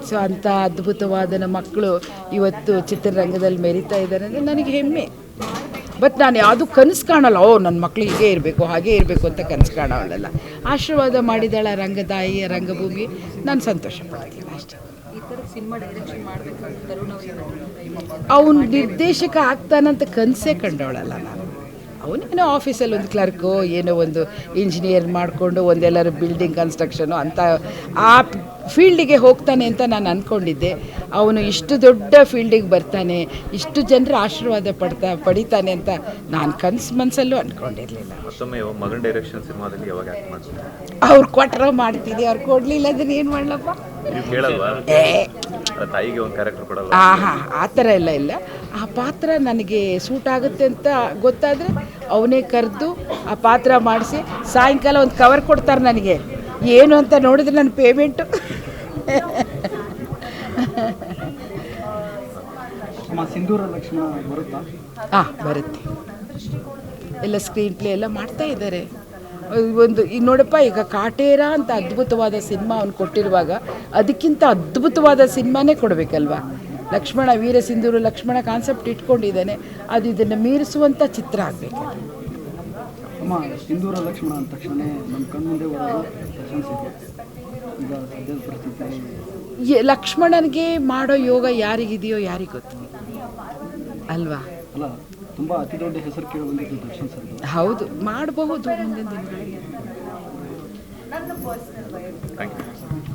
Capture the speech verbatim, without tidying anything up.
So ಅಂಥ ಅದ್ಭುತವಾದ ಮಕ್ಕಳು ಇವತ್ತು ಚಿತ್ರರಂಗದಲ್ಲಿ ಮೆರೀತಾ ಇದ್ದಾರೆ ಅಂದರೆ ನನಗೆ ಹೆಮ್ಮೆ. ಬಟ್ ನಾನು ಯಾವುದು ಕನಸು ಕಾಣಲ್ಲ, ಓ ನನ್ನ ಮಕ್ಕಳು ಹೀಗೆ ಇರಬೇಕು ಹಾಗೇ ಇರಬೇಕು ಅಂತ ಕನಸು ಕಾಣೋಲ್ಲ. ಆಶೀರ್ವಾದ ಮಾಡಿದಾಳ ರಂಗದಾಯಿಯ ರಂಗಭೂಮಿ, ನಾನು ಸಂತೋಷ ಪಡ್ತೀನಿ ಅಷ್ಟೇ. ಅವನು ನಿರ್ದೇಶಕ ಆಗ್ತಾನಂತ ಕನಸೇ ಕಂಡವಳಲ್ಲ ನಾನು. ಅವನೇನೋ ಆಫೀಸಲ್ಲಿ ಒಂದು ಕ್ಲರ್ಕು ಏನೋ ಒಂದು ಇಂಜಿನಿಯರ್ ಮಾಡಿಕೊಂಡು ಒಂದೆಲ್ಲರೂ ಬಿಲ್ಡಿಂಗ್ ಕನ್ಸ್ಟ್ರಕ್ಷನು ಅಂತ ಆ ಫೀಲ್ಡಿಗೆ ಹೋಗ್ತಾನೆ ಅಂತ ನಾನು ಅಂದ್ಕೊಂಡಿದ್ದೆ. ಅವನು ಇಷ್ಟು ದೊಡ್ಡ ಫೀಲ್ಡಿಗೆ ಬರ್ತಾನೆ, ಇಷ್ಟು ಜನರ ಆಶೀರ್ವಾದ ಪಡ್ತಾ ಪಡಿತಾನೆ ಅಂತ ನಾನು ಕನಸು ಮನಸ್ಸಲ್ಲೂ ಅಂದ್ಕೊಂಡಿರಲಿಲ್ಲ. ಮಗನ್ ಡೈರೆಕ್ಷನ್ ಸಿನಿಮಾದಲ್ಲಿ ಯಾವಾಗ ಆಕ್ಟ್ ಮಾಡ್ತೀನಿ ಅವ್ರು ಕೊಟ್ಟರೆ ಮಾಡ್ತೀನಿ, ಅವ್ರು ಕೊಡಲಿಲ್ಲ ಅದನ್ನ ಏನು ಮಾಡಲಪ್ಪ. ಏ ತಾಯಿಗೆ ಒಂದು ಕ್ಯಾರೆಕ್ಟರ್ ಕೊಡಲ್ಲ. ಆ ಹಾಂ ಆ ಥರ ಎಲ್ಲ ಇಲ್ಲ. ಆ ಪಾತ್ರ ನನಗೆ ಸೂಟ್ ಆಗುತ್ತೆ ಅಂತ ಗೊತ್ತಾದರೆ ಅವನೇ ಕರೆದು ಆ ಪಾತ್ರ ಮಾಡಿಸಿ ಸಾಯಂಕಾಲ ಒಂದು ಕವರ್ ಕೊಡ್ತಾರೆ ನನಗೆ. ಏನು ಅಂತ ನೋಡಿದ್ರೆ ನನ್ನ ಪೇಮೆಂಟು ಸಿಂಧೂರ ಲಕ್ಷ್ಮಣ ಬರುತ್ತಾ? ಹಾಂ ಬರುತ್ತೆ. ಎಲ್ಲ ಸ್ಕ್ರೀನ್ ಪ್ಲೇ ಎಲ್ಲ ಮಾಡ್ತಾ ಇದ್ದಾರೆ. ಒಂದು ಈಗ ನೋಡಪ್ಪ, ಈಗ ಕಾಟೇರ ಅಂತ ಅದ್ಭುತವಾದ ಸಿನಿಮಾ ಅವ್ನು ಕೊಟ್ಟಿರುವಾಗ ಅದಕ್ಕಿಂತ ಅದ್ಭುತವಾದ ಸಿನಿಮಾನೇ ಕೊಡಬೇಕಲ್ವ. ಲಕ್ಷ್ಮಣ ವೀರ ಸಿಂಧೂರ ಲಕ್ಷ್ಮಣ ಕಾನ್ಸೆಪ್ಟ್ ಇಟ್ಕೊಂಡಿದ್ದಾನೆ, ಅದು ಇದನ್ನು ಮೀರಿಸುವಂಥ ಚಿತ್ರ ಆಗಬೇಕು. ಅಮ್ಮ ಸಿಂಧೂರ ಲಕ್ಷ್ಮಣ ಅಂದ ತಕ್ಷಣ ನಮ್ಮ ಕಣ್ಮುಂದೆ ಪ್ರಶಂಸಿದೆ. ಈಗ ಸದ್ಯದ ಪರಿಸ್ಥಿತಿ ಲಕ್ಷ್ಮಣನಿಗೆ ಮಾಡೋ ಯೋಗ ಯಾರಿಗಿದೆಯೋ ಯಾರಿಗೆ ಗೊತ್ತು ಅಲ್ವಾ? ಅಲ್ಲ, ತುಂಬ ಅತಿ ದೊಡ್ಡ ಹೆಸರು ಕೇಳಿ ಬಂದಿದ್ದು ದರ್ಶನ್ ಸರ್. ಹೌದು, ಮಾಡಬಹುದು ಮುಂದಿನ ದಿನಗಳಲ್ಲಿ.